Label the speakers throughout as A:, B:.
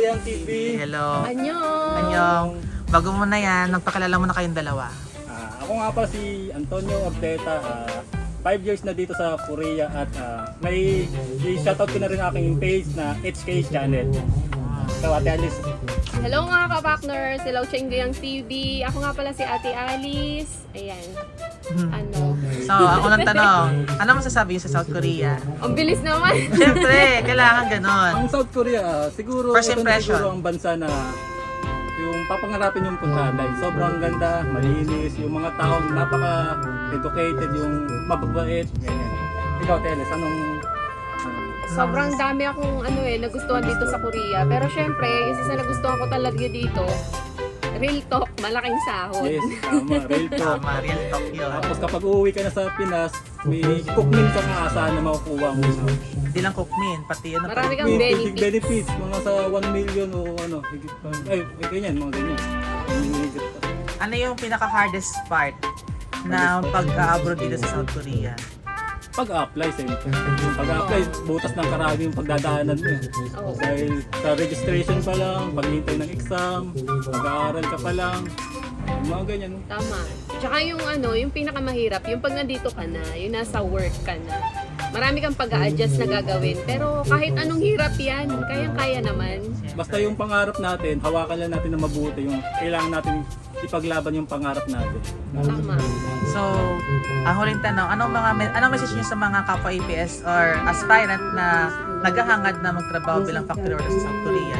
A: Chinggoyang TV.
B: Hello.
C: Annyeong!
B: Anyong. Bago mo na yan, nagpakilala mo na kayong dalawa.
A: Ako nga pala si Antonio Orteta. 5 years na dito sa Korea at may i-shoutout ko na rin aking page na HK Channel. So, Ate Alice.
C: Hello mga ka-partners! Hello Chinggoyang TV! Ako nga pala si Ate Alice. Ayan. Ano?
B: So, ako lang tanong, ano masasabi niyo sa South Korea?
C: Ang bilis naman!
B: Siyempre, kailangan ganon.
A: Ang South Korea, siguro
B: First
A: ito na
B: impression.
A: siguro ang bansa na yung papangarapin yung puntahan dahil sobrang ganda, malinis, yung mga tao napaka-educated, yung mababait, ganyan. Ikaw, Teles, anong
C: Sobrang dami akong nagustuhan dito sa Korea. Pero syempre, isa sa nagustuhan ko talaga dito, real talk, malaking sahod.
A: yes, tama, real talk.
B: Tama, real talk yun.
A: Tapos kapag uuwi ka na sa Pinas, may cookmeal ka nga asahan na makukuha mo.
B: Hindi lang cookmin, pati ano.
C: Marami kang
A: May
C: benefits.
A: benefits, mga sa 1 million o ano, higit pa. Ay, ganyan, mga ganyan. Higit pa.
B: Ano yung pinaka-hardest part na pag-abroad dito sa South Korea?
A: Pag-apply, siyempre. Yung pag-apply, butas ng karami yung pagdadaanan mo.
C: Oo.
A: Dahil sa registration pa lang, paghihintay ng exam, mag-aaral ka pa lang, yung mga ganyan.
C: Tama. Tsaka yung pinakamahirap, yung pag nandito ka na, yung nasa work ka na. Marami kang pag-a-adjust na gagawin. Pero kahit anong hirap yan, kayang-kaya naman.
A: Basta yung pangarap natin, hawakan lang natin na mabuti. Yung kailangan natin ipaglaban yung pangarap natin.
C: Tama.
B: So, ang huling tanong, anong message niyo sa mga kapwa APS or aspirant na naghahangad na magtrabaho bilang factory worker sa South Korea?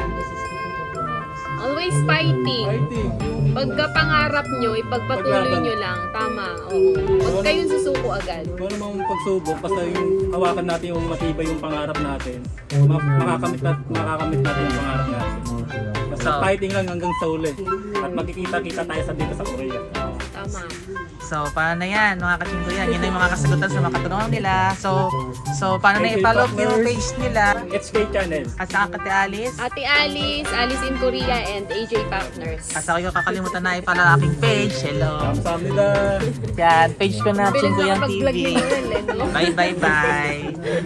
C: Always fighting.
A: Fighting.
C: Pagka pangarap nyo, ipagpatuloy nyo lang. Tama. Oo. Huwag kayong susuko agad.
A: Kung ano mang pagsubok, basta yung hawakan natin yung matibay yung pangarap natin, makakamit natin yung pangarap natin. Basta
B: So,
A: fighting lang hanggang sa uli. At magkikita-kita tayo sa dito sa Korea.
C: Tama.
B: So, paano na yan, mga kachingko yan? Yun na yung mga kasagutan sa mga katanungan nila. So paano na
A: HK
B: i-follow yung
A: Partners.
B: page nila?
A: HK Channel.
B: At saka Kate Alice.
C: Ate Alice, Alice in Korea, and AJ Partners.
B: At saka yung kakalimutan na i-follow ang aking page. Hello.
A: Kamsam nila.
B: Yan, page ko na,
C: Bilis
B: Chinggo
C: na
B: Yang
C: kapag vlog
B: TV.
C: ni Noel, eh, no?
B: Bye, bye, bye.